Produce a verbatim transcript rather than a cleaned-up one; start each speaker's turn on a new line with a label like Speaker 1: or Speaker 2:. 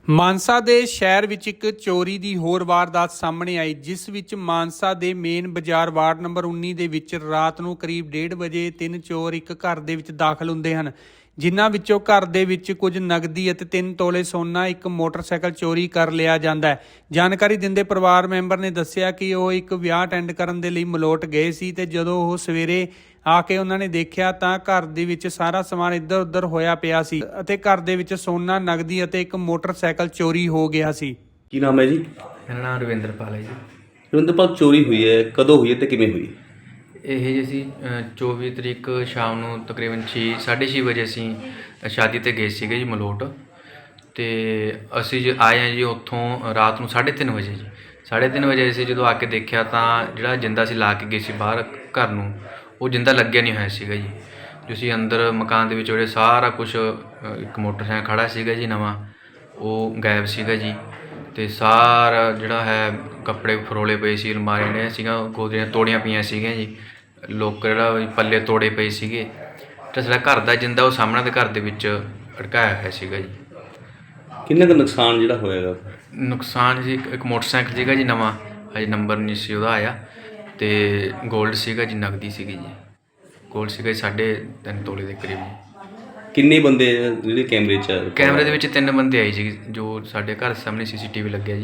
Speaker 1: ਮਾਨਸਾ ਦੇ ਸ਼ਹਿਰ ਵਿੱਚ ਇੱਕ ਚੋਰੀ ਦੀ ਹੋਰ ਵਾਰਦਾਤ ਸਾਹਮਣੇ ਆਈ, ਜਿਸ ਵਿੱਚ ਮਾਨਸਾ ਦੇ ਮੇਨ ਬਾਜ਼ਾਰ ਵਾਰਡ ਨੰਬਰ ਉੱਨੀ ਦੇ ਵਿੱਚ ਰਾਤ ਨੂੰ ਕਰੀਬ ਡੇਢ ਵਜੇ ਤਿੰਨ ਚੋਰ ਇੱਕ ਘਰ ਦੇ ਵਿੱਚ ਦਾਖਲ ਹੁੰਦੇ ਹਨ, ਜਿਨ੍ਹਾਂ ਵਿੱਚੋਂ ਘਰ ਦੇ ਵਿੱਚ ਕੁਝ ਨਗਦੀ ਅਤੇ ਤਿੰਨ ਤੋਲੇ ਸੋਨਾ, ਇੱਕ ਮੋਟਰਸਾਈਕਲ ਚੋਰੀ ਕਰ ਲਿਆ ਜਾਂਦਾ ਹੈ। ਜਾਣਕਾਰੀ ਦਿੰਦੇ ਪਰਿਵਾਰ ਮੈਂਬਰ ਨੇ ਦੱਸਿਆ ਕਿ ਉਹ ਇੱਕ ਵਿਆਹ ਅਟੈਂਡ ਕਰਨ ਦੇ ਲਈ ਮਲੋਟ ਗਏ ਸੀ ਤੇ ਜਦੋਂ ਉਹ ਸਵੇਰੇ ਆ ਕੇ ਉਹਨਾਂ ਨੇ ਦੇਖਿਆ ਤਾਂ ਘਰ ਦੇ ਵਿੱਚ ਸਾਰਾ ਸਮਾਨ ਇੱਧਰ ਉੱਧਰ ਹੋਇਆ ਪਿਆ ਸੀ ਅਤੇ ਘਰ ਦੇ ਵਿੱਚ ਸੋਨਾ, ਨਗਦੀ ਅਤੇ ਇੱਕ ਮੋਟਰਸਾਈਕਲ ਚੋਰੀ ਹੋ ਗਿਆ ਸੀ।
Speaker 2: ਕੀ ਨਾਮ ਹੈ ਜੀ?
Speaker 3: ਮੇਰਾ ਨਾਮ ਰਵਿੰਦਰਪਾਲ ਹੈ ਜੀ।
Speaker 2: ਰਵਿੰਦਰਪਾਲ, ਚੋਰੀ ਹੋਈ ਹੈ, ਕਦੋਂ ਹੋਈ ਹੈ ਤੇ ਕਿਵੇਂ ਹੋਈ?
Speaker 3: ਇਹ ਜੀ ਅਸੀਂ ਚੌਵੀ ਤਰੀਕ ਸ਼ਾਮ ਨੂੰ ਤਕਰੀਬਨ ਛੇ ਸਾਢੇ ਛੇ ਵਜੇ ਅਸੀਂ ਸ਼ਾਦੀ 'ਤੇ ਗਏ ਸੀਗੇ ਜੀ ਮਲੋਟ, ਅਤੇ ਅਸੀਂ ਜੀ ਆਏ ਹਾਂ ਜੀ ਉੱਥੋਂ ਰਾਤ ਨੂੰ ਸਾਢੇ ਤਿੰਨ ਵਜੇ ਜੀ ਸਾਢੇ ਤਿੰਨ ਵਜੇ ਅਸੀਂ ਜਦੋਂ ਆ ਕੇ ਦੇਖਿਆ ਤਾਂ ਜਿਹੜਾ ਜਿੰਦਾ ਅਸੀਂ ਲਾ ਕੇ ਗਏ ਸੀ ਬਾਹਰ ਘਰ ਨੂੰ, ਉਹ ਜਿੰਦਾ ਲੱਗਿਆ ਨਹੀਂ ਹੋਇਆ ਸੀਗਾ ਜੀ। ਜੋ ਅਸੀਂ ਅੰਦਰ ਮਕਾਨ ਦੇ ਵਿੱਚ ਜਿਹੜੇ ਸਾਰਾ ਕੁਛ, ਇੱਕ ਮੋਟਰਸਾਈਕਲ ਖੜ੍ਹਾ ਸੀਗਾ ਜੀ ਨਵਾਂ, ਉਹ ਗਾਇਬ ਸੀਗਾ ਜੀ। ਅਤੇ ਸਾਰਾ ਜਿਹੜਾ ਹੈ ਕੱਪੜੇ ਫਰੋਲੇ ਪਏ ਸੀ, ਅਲਮਾਰੀਆਂ ਨੇ ਸੀਗਾ ਗੋਦਰੀਆਂ ਤੋੜੀਆਂ ਪਈਆਂ ਸੀਗੀਆਂ ਜੀ, ਲੋਕਰ ਜਿਹੜਾ ਪੱਲੇ ਤੋੜੇ ਪਏ ਸੀਗੇ, ਅਤੇ ਸਾਡਾ ਘਰ ਦਾ ਜਿੰਦਾ ਉਹ ਸਾਹਮਣੇ ਦੇ ਘਰ ਦੇ ਵਿੱਚ ਅਟਕਾਇਆ ਹੋਇਆ ਸੀਗਾ ਜੀ।
Speaker 2: ਕਿੰਨਾ ਕੁ ਨੁਕਸਾਨ ਜਿਹੜਾ ਹੋਏਗਾ?
Speaker 3: ਨੁਕਸਾਨ ਜੀ ਇੱਕ ਇੱਕ ਮੋਟਰਸਾਈਕਲ ਸੀਗਾ ਜੀ ਨਵਾਂ, ਹਜੇ ਨੰਬਰ ਨਹੀਂ ਸੀ ਉਹਦਾ ਆਇਆ, ਅਤੇ ਗੋਲਡ ਸੀਗਾ ਜੀ, ਨਗਦੀ ਸੀਗੀ ਜੀ, ਗੋਲਡ ਸੀਗਾ ਜੀ ਸਾਢੇ ਤਿੰਨ ਤੋਲੇ ਦੇ ਕਰੀਬ।
Speaker 2: ਕਿੰਨੇ ਬੰਦੇ ਜਿਹੜੇ ਕੈਮਰੇ 'ਚ?
Speaker 3: ਕੈਮਰੇ ਦੇ ਵਿੱਚ ਤਿੰਨ ਬੰਦੇ ਆਏ ਜੀ, ਜੋ ਸਾਡੇ ਘਰ ਸਾਹਮਣੇ ਸੀ ਸੀ ਟੀ ਵੀ ਲੱਗਿਆ ਜੀ।